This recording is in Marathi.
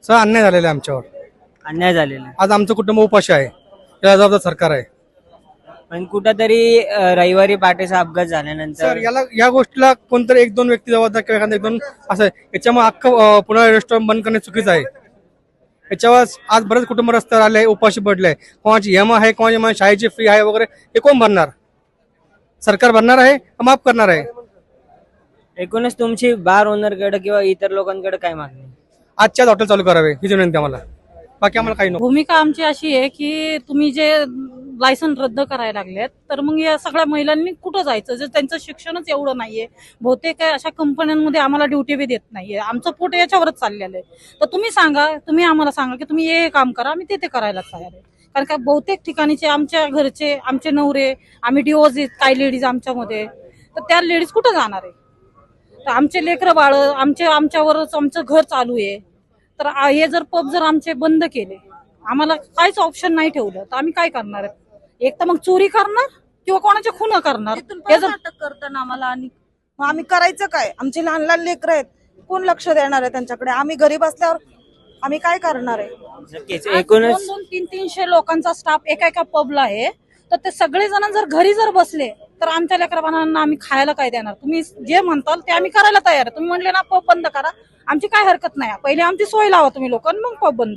सगळं अन्याय झालेला आहे आमच्यावर. अन्याय झालेला आहे. आज आमचं कुटुंब उपाशी आहे, याला जबाबदार सरकार आहे. पण कुठंतरी रविवारी पहाटेचा अपघात सर झाल्यानंतर याला या गोष्टीला कोणतरी एक दोन व्यक्ती जबाबदार किंवा एखादा एक दोन असं आहे. याच्यामुळे अख्खं पुन्हा रेस्टॉरंट बंद करणे चुकीचं आहे. याच्यावर आज बरेच कुटुंब रस्त्यावर आले, उपाशी पडले. कोणाची EMI आहे, कोणाची शाळेची फी आहे वगैरे, हे कोण भरणार? सरकार भरणार आहे का माफ करणार आहे? एकूणच तुमची बार ओनरकडे किंवा इतर लोकांकडे काय मागणी आहे? आजच्या हॉटेल चालू करावे ही विनंती आम्हाला, बाकी आम्हाला काही नको. भूमिका आमची अशी आहे की तुम्ही जे लायसन रद्द करायला लागलेत तर मग या सगळ्या महिलांनी कुठं जायचं, जर त्यांचं शिक्षणच एवढं नाहीये. बहुतेक अशा कंपन्यांमध्ये आम्हाला ड्युटी बी देत नाहीये. आमचं पोट याच्यावरच चाललेलं आहे. तर तुम्ही सांगा, तुम्ही आम्हाला सांगा की तुम्ही हे काम करा, आम्ही ते करायला तयार आहे. कारण का बहुतेक ठिकाणीचे आमच्या घरचे, आमचे नवरे, आम्ही डिवोर्स काही लेडीज आमच्यामध्ये, तर त्या लेडीज कुठं जाणार आहे? तर आमचे लेकरं बाळ आमच्यावरच आमचं घर चालू आहे. तर हे जर पब जर आमचे बंद केले, आम्हाला काहीच ऑप्शन नाही ठेवलं, तर आम्ही काय करणार? एक तर मग चोरी करणार किंवा कोणाच्या खून करणार. हे जर अटक करताना आम्हाला, आणि मग आम्ही करायचं काय? आमचे लहान लहान लेकरं आहेत, कोण लक्ष देणार आहे त्यांच्याकडे? आम्ही गरीब असल्यावर आम्ही काय करणार आहे? नक्कीच. एकूणच 200-300 लोकांचा स्टाफ एका पबला आहे. तर ते सगळे जण जर घरी जर बसले तर आमच्या लेकरांना आम्ही खायला काय देणार? तुम्ही जे म्हणताल ते आम्ही करायला तयार आहे. तुम्ही म्हणले ना पब बंद करा, आमची काय हरकत नाही. पहिले आमची सोय लावा तुम्ही लोक, मग पब बंद